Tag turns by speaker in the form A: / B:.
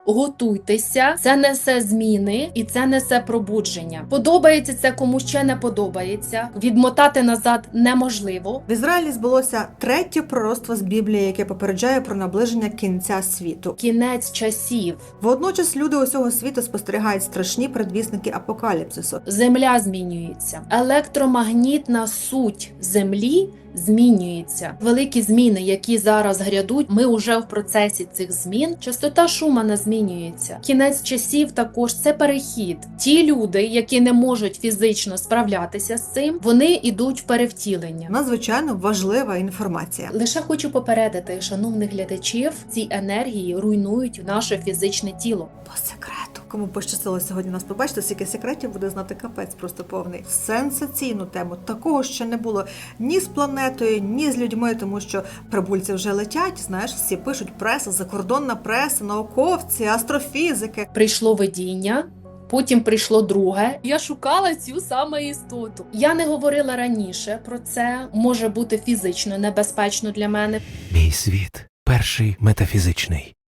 A: Готуйтеся, це несе зміни і це несе пробудження. Подобається це комусь, ще не подобається. Відмотати назад неможливо.
B: В Ізраїлі збулося третє пророцтво з Біблії, яке попереджає про наближення кінця світу.
A: Кінець часів.
B: Водночас люди усього світу спостерігають страшні предвісники апокаліпсису.
A: Земля змінюється. Електромагнітна суть Землі змінюється. Великі зміни, які зараз грядуть, ми вже в процесі цих змін. Частота Шумана змінюється. Кінець часів також це перехід. Ті люди, які не можуть фізично справлятися з цим, вони йдуть в перевтілення.
B: Надзвичайно важлива інформація.
A: Лише хочу попередити шановних глядачів, ці енергії руйнують наше фізичне тіло.
B: По секрету. Кому пощастило сьогодні нас побачити, скільки секретів буде знати капець просто повний. Сенсаційну тему. Такого ще не було ні з планетою, ні з людьми, тому що прибульці вже летять, знаєш, всі пишуть преса, закордонна преса, науковці, астрофізики.
A: Прийшло видіння. Потім прийшло друге. Я шукала цю саме істоту. Я не говорила раніше про це. Може бути фізично небезпечно для мене.
C: Мій світ перший метафізичний.